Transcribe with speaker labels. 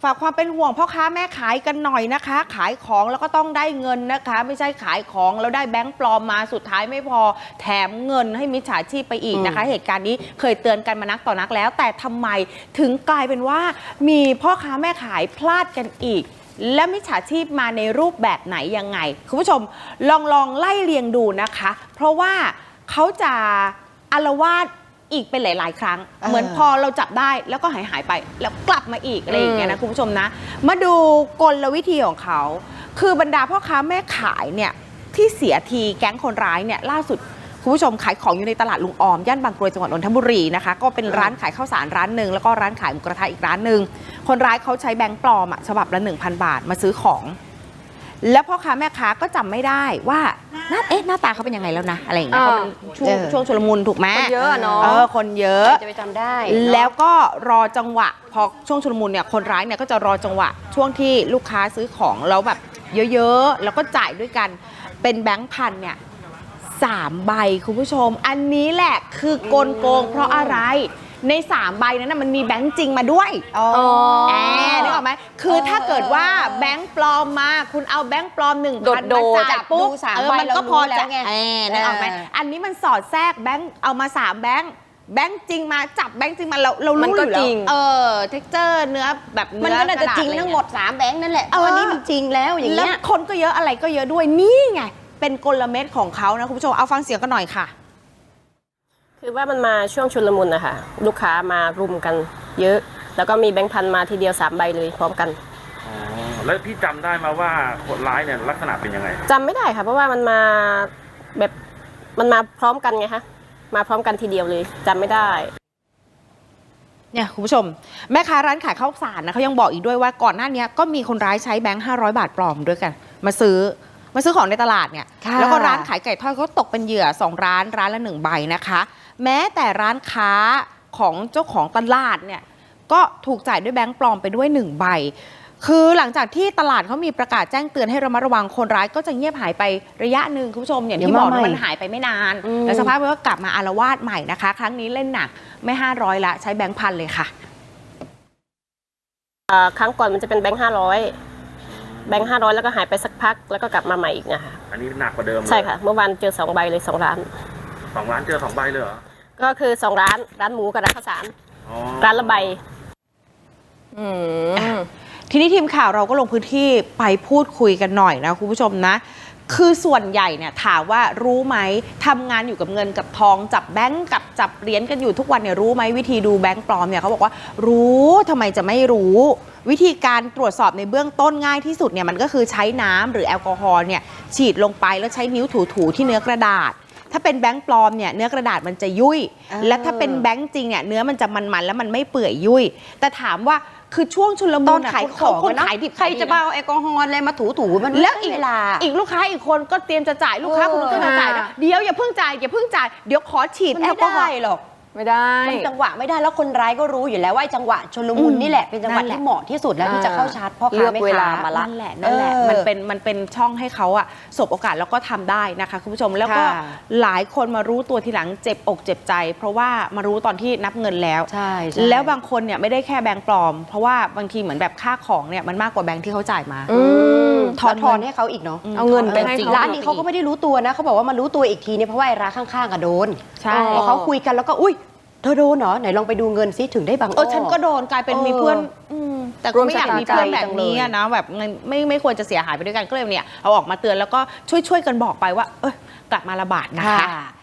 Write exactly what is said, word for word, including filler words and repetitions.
Speaker 1: ฝากความเป็นห่วงพ่อค้าแม่ขายกันหน่อยนะคะขายของแล้วก็ต้องได้เงินนะคะไม่ใช่ขายของแล้วได้แบงค์ปลอมมาสุดท้ายไม่พอแถมเงินให้มิจฉาชีพไปอีกนะคะเหตุการณ์นี้เคยเตือนกันมานักต่อนักแล้วแต่ทำไมถึงกลายเป็นว่ามีพ่อค้าแม่ขายพลาดกันอีกและมิจฉาชีพมาในรูปแบบไหนยังไงคุณผู้ชมลองลองไล่เรียงดูนะคะเพราะว่าเขาจะอาละวาดอีกเป็นหลายๆครั้งเหมือนพอเราจับได้แล้วก็หายหายไปแล้วกลับมาอีกอะไรอย่างเงี้ยนะคุณผู้ชมนะมาดูกลวิธีของเขาคือบรรดาพ่อค้าแม่ขายเนี่ยที่เสียทีแก๊งคนร้ายเนี่ยล่าสุดคุณผู้ชมขายของอยู่ในตลาดลุงออมย่านบางกรวยจังหวัดนนทบุรีนะคะก็เป็นร้านขายข้าวสารร้านหนึ่งแล้วก็ร้านขายหมูกระทะอีกร้านหนึ่งคนร้ายเขาใช้แบงค์ปลอมอะฉบับละ หนึ่งพัน บาทมาซื้อของแล้วพ่อค้าแม่ค้าก็จำไม่ได้ว่าหน้าเอ๊ะหน้าตาเขาเป็นยังไงแล้วนะอะไรอย่างเงี้ยเพราะมันช่วงช่วงชุลมุนถูกไหม
Speaker 2: คนเยอะเนาะ
Speaker 1: เออคนเยอะ
Speaker 2: จะไปจำได้
Speaker 1: แล้วก็รอจังหวะพอช่วงชุลมุนเนี่ยคนร้ายเนี่ยก็จะรอจังหวะช่วงที่ลูกค้าซื้อของแล้วแบบเยอะๆแล้วก็จ่ายด้วยกันเป็นแบงค์พันเนี่ยสามใบคุณผู้ชมอันนี้แหละคือกลโกงเพราะอะไรในสามใบนั้นนะมันมีแบงค์จริงมาด้วยอ๋อแอบนึกออกไหมคือถ้าเกิดว่าแบงค์ปลอมมาคุณเอาแบงค์ปลอมหนึ่งพันมาจ่ายปุ๊บเออมันก็พอจะแอบนึกออกไหมอันนี้มันสอดแทรกแบงค์เอามาสามแบงค์แบงค์จริงมาจับแบงค์จริงมาเราเรารู้อยู่แล้วเออเท็กเจอร์เนื้อแบบ
Speaker 2: มันก็น่าจะจริงทั้งหมดสามแบงค์นั่นแหละอันนี้มันจริงแล้วอย่างเงี้ย
Speaker 1: คนก็เยอะอะไรก็เยอะด้วยนี่ไงเป็นกลเม็ดของเขานะคุณผู้ชมเอาฟังเสียงกันหน่อยค่ะ
Speaker 3: คือว่ามันมาช่วงชุลมุนนะคะลูกค้ามารุมกันเยอะแล้วก็มีแบงค์พันมาทีเดียวสามใบเลยพร้อมกัน
Speaker 4: อ๋อแล้วพี่จำได้มาว่าคนร้ายเนี่ยลักษณะเป็นยังไง
Speaker 3: จำไม่ได้ค่ะเพราะว่ามันมาแบบมันมาพร้อมกันไงคะมาพร้อมกันทีเดียวเลยจำไม่ได้
Speaker 1: เนี่ยคุณผู้ชมแม่ค้าร้านขายข้าวสารนะเขายังบอกอีกด้วยว่าก่อนหน้านี้ก็มีคนร้ายใช้แบงค์ห้าร้อยบาทปลอมด้วยกันมาซื้อมาซื้อของในตลาดเนี่ยแล้วก็ร้านขายไก่ทอดเขาตกเป็นเหยื่อสองร้านร้านละหนึ่งใบนะคะแม้แต่ร้านค้าของเจ้าของตลาดเนี่ยก็ถูกจ่ายด้วยแบงค์ปลอมไปด้วยหนึ่งใบคือหลังจากที่ตลาดเขามีประกาศแจ้งเตือนให้ระมัดระวังคนร้ายก็จะเงียบหายไประยะหนึ่งคุณผู้ชมอย่างที่บอกมันหายไปไม่นานแล้วสภาพมันก็กลับมาอาละวาดใหม่นะคะครั้งนี้เล่นหนักไม่ห้าร้อยละใช้แบงค์พันเลยค่ะ
Speaker 3: ครั้งก่อนมันจะเป็นแบงค์ห้าร้อยแบงค์ห้าร้อยแล้วก็หายไปสักพักแล้วก็กลับมาใหม่อีกนะคะ
Speaker 4: อันนี้หนักกว่าเดิม
Speaker 3: ใช่ค่ะเมื่อวานเจอสองใบเลยสองร้าน
Speaker 4: สองร้านเจอสองใบเลยเหรอ
Speaker 3: ก็คือสองร้านร้านหมูกับร้านข้าวสารร้านละใบ
Speaker 1: อืมทีนี้ทีมข่าวเราก็ลงพื้นที่ไปพูดคุยกันหน่อยนะคุณผู้ชมนะคือส่วนใหญ่เนี่ยถามว่ารู้ไหมทำงานอยู่กับเงินกับทองจับแบงก์กับจับเหรียญกันอยู่ทุกวันเนี่ยรู้ไหมวิธีดูแบงก์ปลอมเนี่ยเขาบอกว่ารู้ทำไมจะไม่รู้วิธีการตรวจสอบในเบื้องต้นง่ายที่สุดเนี่ยมันก็คือใช้น้ำหรือแอลกอฮอล์เนี่ยฉีดลงไปแล้วใช้นิ้วถูๆที่เนื้อกระดาษถ้าเป็นแบงค์ปลอมเนี่ยเนื้อกระดาษมันจะยุ่ยและถ้าเป็นแบงค์จริงเนี่ยเนื้อมันจะมันๆแล้วมันไม่เปื่อยยุ่ยแต่ถามว่าคือช่วงชุลมุน
Speaker 2: ขายของ
Speaker 1: คนขายดิบ
Speaker 2: ใครจะมาเอาแอลกอฮอล์อะไรมาถูๆมัน
Speaker 1: แล้วอีกเวลาอีกลูกค้าอีกคนก็เตรียมจะจ่ายลูกค้าคนนึงก็จะจ่ายนะเดี๋ยวอย่าเพิ่งจ่ายอย่าเพิ่งจ่ายเดี๋ยวขอฉีดแอลกอฮอล์
Speaker 2: หรอกไม่ได้จังหวะไม่ได้แล้วคนร้ายก็รู้อยู่แล้วว่าจังหวะชุลมุนนี่แหละเป็นจังหวะที่เหมาะที่สุดแล้วที่จะเข้าชาร์จพ่อค้าแม่ค้ามาละ
Speaker 1: นั่นแหละนั่นแหละมันเป็นมันเป็นช่องให้เขาอะสบโอกาสแล้วก็ทำได้นะคะคุณผู้ชมแล้วก็หลายคนมารู้ตัวทีหลังเจ็บอกเจ็บใจเพราะว่ามารู้ตอนที่นับเงินแล้ว
Speaker 2: ใช่
Speaker 1: แล้วบางคนเนี่ยไม่ได้แค่แบงค์ปลอมเพราะว่าบางทีเหมือนแบบค่าของเนี่ยมันมากกว่าแบงค์ที่เขาจ่ายมา
Speaker 2: ถอนทอนให้เขาอีกเนาะเอาเงินไปให้ร้านนี้เขาก็ไม่ได้รู้ตัวนะเขาบอกว่ามารู้ตัวอีกทีเนี่ยเพราะว่าร้านข้างๆอะโดน
Speaker 1: ใช่
Speaker 2: พอเขาคุยกันแล้วก็อุ้ยเธอโดนเหรอไหนลองไปดูเงินซิถึงได้บาง
Speaker 1: เออฉันก็โดนกลายเป็นมีเพื่อนแต่ก็ไม่อยากมีเพื่อนแบบนี้นะแบบไม่ไม่ควรจะเสียหายไปด้วยกันก็เลยเนี่ยเอาออกมาเตือนแล้วก็ช่วยช่วยกันบอกไปว่าเออกลับมาระบาดนะคะ